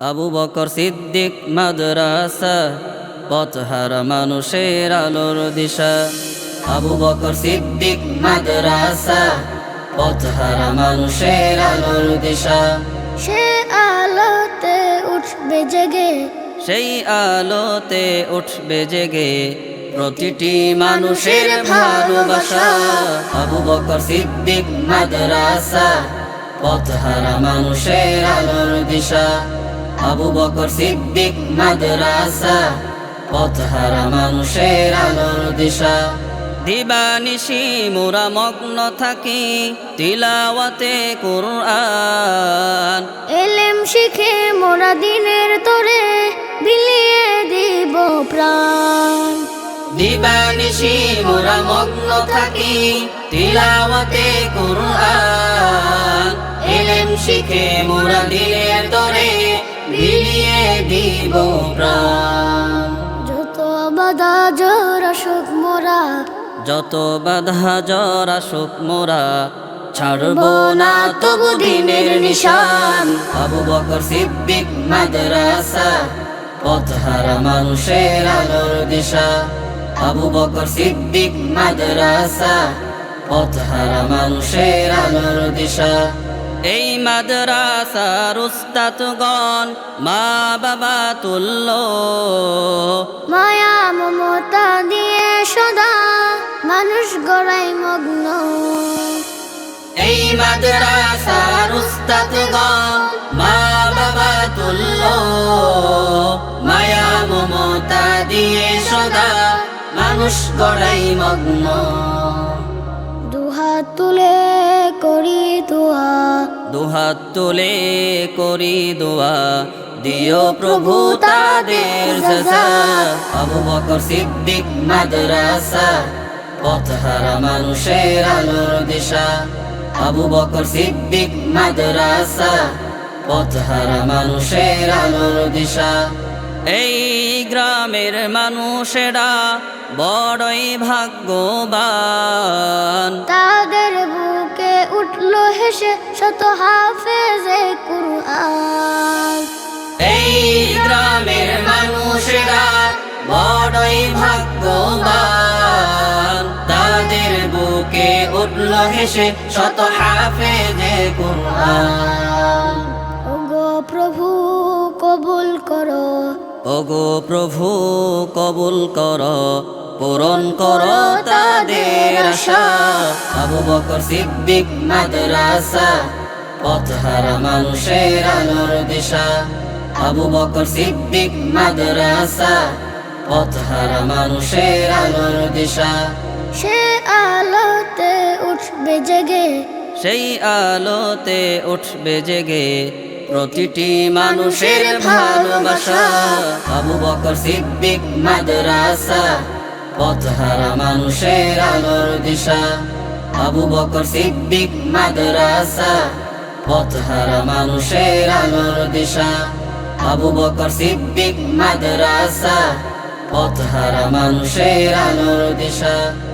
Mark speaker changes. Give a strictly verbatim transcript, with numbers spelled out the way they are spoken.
Speaker 1: আবু বকর সিদ্দিক মাদ্রাসা, পথহারা মানুষের আলোর দিশা। আবু বকর সিদ্দিক মাদ্রাসা, পথহারা মানুষের আলোর দিশা।
Speaker 2: সে আলোতে উঠবে জেগে,
Speaker 1: সেই আলোতে উঠবে জেগে প্রতিটি মানুষের ভালোবাসা। আবু বকর সিদ্দিক মাদ্রাসা, পথহারা মানুষের আলোর দিশা। আবু বকর সিদ্দিক মাদ্রাসা, পথহারা মানুষের আলোর দিশা। দিবানিশি মোরা মগ্ন থাকি তিলাওয়াতে কুরআন।
Speaker 2: এলেম শিখে মোরা দিনের তরে বিলিয়ে দিব প্রাণ।
Speaker 1: দিবানিশি মোরা মগ্ন থাকি তিলাওয়াতে কুরআন। এলেম শিখে মোরা দিনের তরে বিলিয়ে দিব প্রাণ।
Speaker 2: যত বাধা জোর আসুক মোরা,
Speaker 1: যত বাধা জ্বর আসুক মোরা ছাড়ব না তবু দিনের নিশান। আবু বকর সিদ্দিক মাদ্রাসা, পথহারা মানুষের আলোর দিশা। আবু বকর সিদ্দিক মাদ্রাসা, পথহারা মানুষের আলোর দিশা। এই মাদ্রাসার উস্তাদগণ মা বাবা তুল্য,
Speaker 2: মায়া মমতা দিয়ে সদা মানুষ গড়াই মগ্ন।
Speaker 1: এই মাদ্রাসার উস্তাদগণ মা বাবা তুল্য, মায়া মমতা দিয়ে সদা মানুষ গড়াই মগ্ন।
Speaker 2: দুহাত তুলে করি দোয়া,
Speaker 1: দুহাত তুলে করি দোয়া, দিও প্রভু তাদের জাযা। আবু বকর সিদ্দিক মাদ্রাসা, পথহারা মানুষের আলোর দিশা। আবু বকর সিদ্দিক মাদ্রাসা, পথহারা মানুষের আলোর দিশা। এই গ্রামের মানুষেরা বড়ই ভাগ্যবান।
Speaker 2: তাদের বুকে উঠলো হেসে শত হাফেজে কুরআন।
Speaker 1: এই গ্রামের মানুষেরা বড়ই ভাগ্যবান। তাদের বুকে উঠল হেসে শত হাফেজে কুরআন।
Speaker 2: ওগো প্রভু কবুল করো,
Speaker 1: ওগো প্রভু কবুল কর, পূরণ কর তাদের আশা। আবু বকর সিদ্দিক মাদ্রাসা, পথহারা মানুষের আলোর দিশা। আবু বকর সিদ্দিক মাদ্রাসা, পথহারা মানুষের আলোর দিশা।
Speaker 2: সে আলোতে উঠবে জেগে,
Speaker 1: সেই আলোতে উঠবে জেগে প্রতিটি মানুষের ভালোবাসা। আবু বকর সিদ্দিক মাদ্রাসা, পথহারা মানুষের আলোর দিশা। আবু বকর সিদ্দিক মাদ্রাসা, পথহারা মানুষের আলোর দিশা। আবু বকর সিদ্দিক মাদ্রাসা, পথহারা মানুষের আলোর দিশা।